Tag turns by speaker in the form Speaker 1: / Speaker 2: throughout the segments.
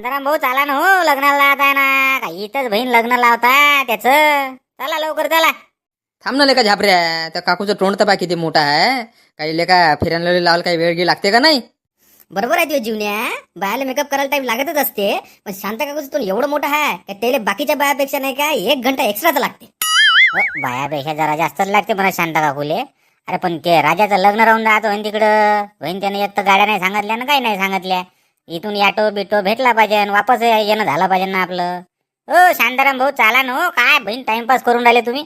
Speaker 1: शांताराम भाऊ चला ना हो, लग्नाला लावताय ना काही इथंच बहीण लग्न लावता त्याच. चला लवकर चला.
Speaker 2: थांब ना लेका झापऱ्या, त्या काकूचं तोंड तर बा किती मोठा आहे. काही लेका फिरायला लावायला काही वेळ गी लागते का नाही?
Speaker 1: बरोबर आहे तुझ्या जीवन्या, बायाला मेकअप करायला टाइम लागतच असते, पण शांत काकूचं तोंड एवढं मोठं आहे का त्याला बाकीच्या बायापेक्षा नाही का 1 घंटा एक्स्ट्राच लागते. बायापेक्षा जरा जास्तच लागते म्हणा शांता काकूले. अरे पण ते राजाचं लग्न राहून राहतो होईन तिकडं, होईन त्याने एक तर गाड्या नाही सांगितल्या ना काही नाही सांगितल्या. इथून याटो बिटो भेटला पाहिजे आणि वापस येणं झालं पाहिजे ना आपलं. हो शांताराम भाऊ चला ना हो, काय बहीण टाइमपास करून राहिले तुम्ही.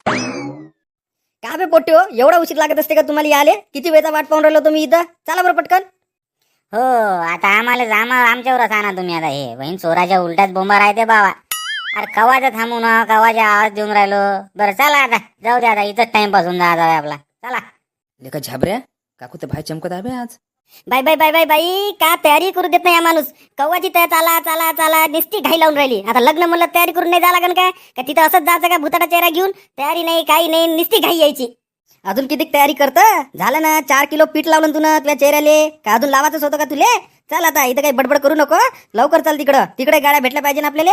Speaker 3: का बे पोट्टे हो, एवढा उशीर लागत असते का तुम्हाला याले? किती वेळचा वाट पाहून राहिलो तुम्ही इथं? चला बरं पटकन.
Speaker 1: हो आता आमच्यावरच आणा तुम्ही आता. हे बहीण चोराच्या उलट्याच बोंबा राहते बाबा. अरे कवाचा थांबू ना, कवाचा आवाज देऊन राहिलो. बरं चला आता जाऊ दे, आता इथंच टाइमपास होऊन जाऊ आपला. चला.
Speaker 2: लेका झापऱ्या, काकू तर भाई चमकत आहे बे आज.
Speaker 3: बाई बाई बाई बाई बाई, का तयारी करू देत नाही हा माणूस? कव्वाची तयार चला चला चला निस्ती घाई लावून राहिली. आता लग्न म्हणलं तयारी करून नाही जा लागन काय? का तिथं असंच जायचं का भुताटा चेहरा घेऊन? तयारी नाही काही नाही, निस्ती घाई यायची. अजून किती तयारी करतं? झालं ना 4 किलो पीठ लावलं तुला तुझ्या चेहऱ्याले. का अजून लावायचंच होतं का तुले? चल आता इथं काही बडबड करू नको, लवकर चल तिकडं. तिकडे गाड्या भेटल्या पाहिजे ना आपल्याला.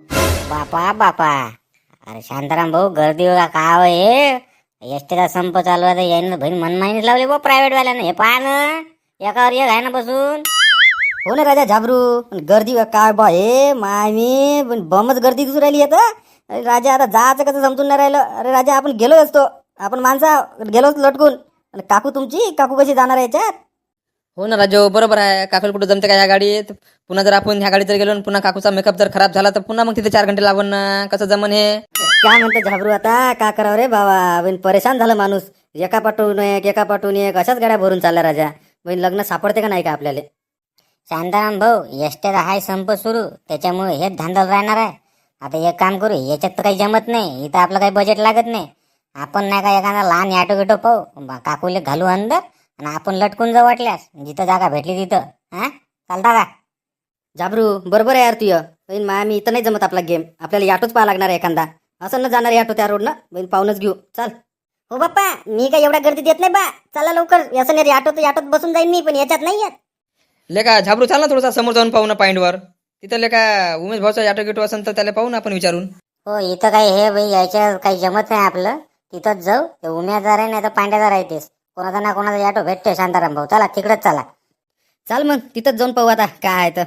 Speaker 1: बापा बापा, अरे शांताराम भाऊ गर्दी का काय हे? एसटीचा संप चालू आहे, यायनं बहीण मनमानीच लावले बा प्रायव्हेट वाल्यानं. हे पहा ना, एकावर एक आहे ना बसून.
Speaker 3: हो ना राजा झाबरू, पण गर्दी काय बा हे मामी, पण बमच गर्दी दिसून राहिली आता. अरे राजा आता जायचं कसं समजून नाही राहिलं. अरे राजा आपण गेलो असतो, आपण माणसा गेलोच लटकून. आणि काकू तुमची, काकू कशी जाणार आहे याच्यात?
Speaker 2: हो ना राजो, बरोबर आहे. काकूला कुठं जमते का ह्या गाडीत? पुन्हा जर आपण ह्या गाडीत जर गेलो आणि पुन्हा काकूचा मेकअप जर खराब झाला तर पुन्हा मग तिथे 4 घंटे लागून ना. कसं जमन हे?
Speaker 3: काय म्हणते झाबरू आता? का करावं रे बाबा, बहीण परेशान झालं माणूस. एका पाठवून एक अशाच गाड्या भरून चालल्या राजा. बहीण लग्न सापडते का नाही का आपल्याला?
Speaker 1: शांताराम भाऊ एसटीचा हाय संप सुरू, त्याच्यामुळे हेच धांदल राहणार आहे. आता एक काम करू, याच्यात तर काही जमत नाही, इथं आपलं काही बजेट लागत नाही. आपण नाही का एखादा लहान ऑटो गिटो पाहू, काकूले घालू अंदर आणि आपण लटकून जाऊ वाटल्यास, जिथं जागा भेटली तिथं. हा चालता का?
Speaker 3: झाबरू बरोबर आहे यार तुझं. बहीण मामी इथं नाही जमत आपला गेम. आपल्याला ऑटोच पाहा लागणार आहे एखादा. असं न जाणार ऑटो त्या रोडनं. बहीण पाहूनच घेऊ. चल. हो बाप्पा, मी काय एवढ्या गर्दीत येत नाही बा. चला लवकर. असं नाही ऑटो तर ऑटोत बसून जाईन मी, पण याच्यात नाही येत.
Speaker 2: लेका झाबरू चाल ना, थोडासा समोर जाऊन पाहू ना पॉईंटवर. तिथं लेका उमेश भाऊचा ऑटो गिटो असेल तर त्याला पाहू ना आपण विचारून.
Speaker 1: हो इथं काही हे भाई यायच्या काही जमत नाही आपलं. तिथंच जाऊ, ते उम्यादार आहे नाही तर पांड्यादार आहे तेच. कोणाचा ना कोणाचा ऑटो भेटते शांताराम भाऊ. चला तिकडेच चला.
Speaker 3: चाल मग तिथंच जाऊन पाहू आता काय आहे तर.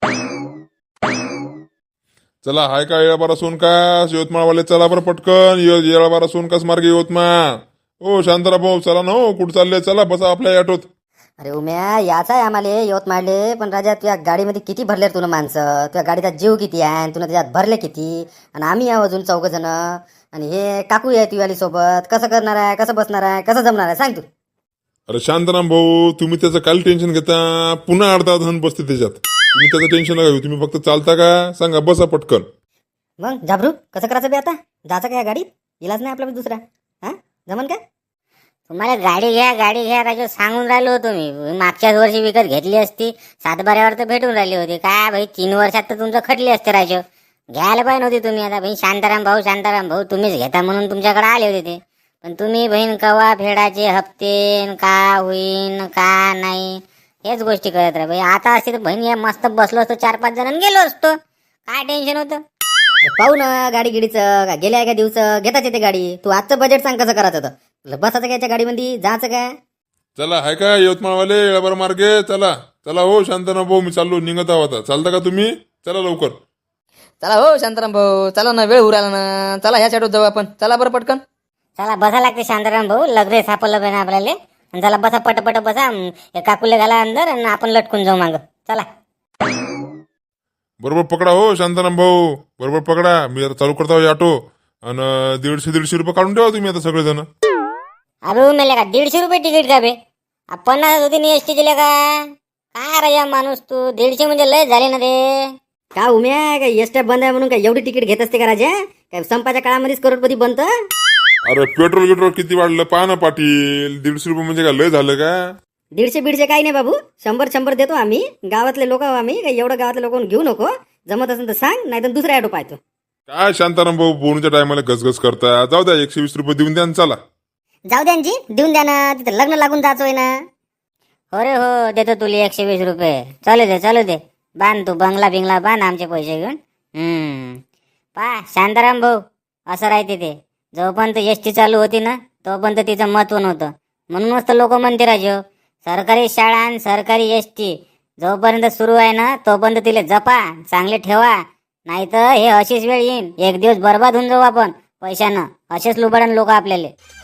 Speaker 4: चला हाय का येळाबारा सोनकास यवतमाळवाले, चला बरं पटकन. येळाबारा सोनकास मार्गे यवतमाळ. ओ शांताराम भाऊ चला ना हो, कुठं चालले? चला बसा आपल्या ऑटोत.
Speaker 3: अरे उम्या याचा आहे आम्हाला यवतमाळले, पण राजा तुझ्या गाडीमध्ये किती भरले तुला माणसं? तुझ्या गाडीचा जीव किती आहे आणि तुला त्याच्यात भरले किती? आणि आम्ही आहो अजून 4 जण. आणि हे काकू आहे तुझ्याली सोबत. कसं करणार आहे, कसं बसणार आहे, कसं जमणार आहे सांग तू.
Speaker 4: अरे शांताराम भाऊ, तुम्ही त्याचं काय टेन्शन घेता? पुन्हा अर्धा धन बसते त्याच्यात. तुम्ही त्याचं टेन्शन नका घेऊ. तुम्ही फक्त चालता का सांगा, बसा पटकन.
Speaker 3: मग झाबरू कसं करायचं बे आता? जायचं का या गाडीत? इलाज नाही आपला दुसरा. हा जमन का?
Speaker 1: तुम्हाला गाडी घ्या राजू सांगून राहिलो होतो मी. मागच्याच वर्षी विकत घेतली असती, 7/12 तर भेटून राहिली होती. काय भाई 3 वर्षात तर तुमचं खटली असते राजू. घ्यायला पाहिजे नव्हती तुम्ही. आता भाई शांताराम भाऊ तुम्हीच घेता म्हणून तुमच्याकडे आले होते ते. पण तुम्ही बहीण कवा फेडाचे हप्ते का होईन का नाही हेच गोष्टी करत राहा भाई. आता असते तर बहीण या मस्त बसलो असतो 4-5 जणांनी गेलो असतो. काय टेन्शन होतं?
Speaker 3: अरे पाहू ना गाडी गिडीचं का गेल्या एका दिवस घेताच येते गाडी. तू आजचं बजेट सांग कसं करायचं होतं. बसायचं का याच्या गाडीमध्ये, जायचं का?
Speaker 4: चला हाय का यवतमाळवाले येळाबारा मार्गे? चला चला हो शांताराम भाऊ, मी चाललो, निघत आहोत आता. चालता का तुम्ही? चला लवकर.
Speaker 2: चला हो शांताराम भाऊ, चला ना, वेळ उराला ना. चला ह्याच ऑटोत जाऊ आपण. चला बरं पटकन.
Speaker 1: चला बसा लागते शांताराम भाऊ, लग्न सापडलं पाहिजे आपल्याला. आणि चला बसा पटपट बसा. काकूले घाला अंदर आणि आपण लटकून जाऊ मागं. चला.
Speaker 4: बरोबर पकडा हो शांताराम भाऊ, बरोबर पकडा. मी आता चालू करतो ऑटो. आणि 150-150 रुपये काढून ठेवा तुम्ही आता सगळेजण.
Speaker 1: अरे मेले का 150 रुपये तिकीट का बे? 50 होती नाही एसटी दिले का? काय राजा माणूस तू, 150 म्हणजे लय झाले ना ते.
Speaker 3: का उम्या काय एसट्या बंद आहे म्हणून काय एवढी तिकीट घेत असते का राजा? काय संपाच्या काळामध्येच करोडपती बनतं?
Speaker 4: अरे पेट्रोल किती वाढलं पहा ना पाटील. 150 रुपये म्हणजे काय लय झालं का?
Speaker 3: 150 काही नाही बाबू. 100 देतो आम्ही. गावातले लोक आम्ही काय एवढं गावातल्या लोकांना घेऊ नको. जमत असेल तर सांग, नाही तर दुसरा ऑटो पाहतो.
Speaker 4: काय शांताराम भाऊ बोनूच्या टायमाला गसगस करता. जाऊ द्या 120 रुपये देऊन द्या आणि चला.
Speaker 1: जाऊ द्या जी, देऊन द्या ना. तिथं लग्न लागून जायचोय ना. हो रे हो, देतो तुला 120 रुपये. चालू दे बांध तू बंगला बिंगला बांध आमचे पैसे घेऊन. पा शांताराम भाऊ, असं राहते ते. जोपर्यंत एस टी चालू होती ना तोपर्यंत तिचं महत्व नव्हतं. म्हणूनच तर लोक म्हणते राजो, सरकारी शाळा आणि सरकारी एस टी जोपर्यंत सुरू आहे ना तोपर्यंत तिला जपा, चांगले ठेवा. नाही तर हे अशीच वेळ येईन, एक दिवस बर्बाद होऊन जाऊ आपण पैशानं. असेच लुबाडन लोक आपल्याला.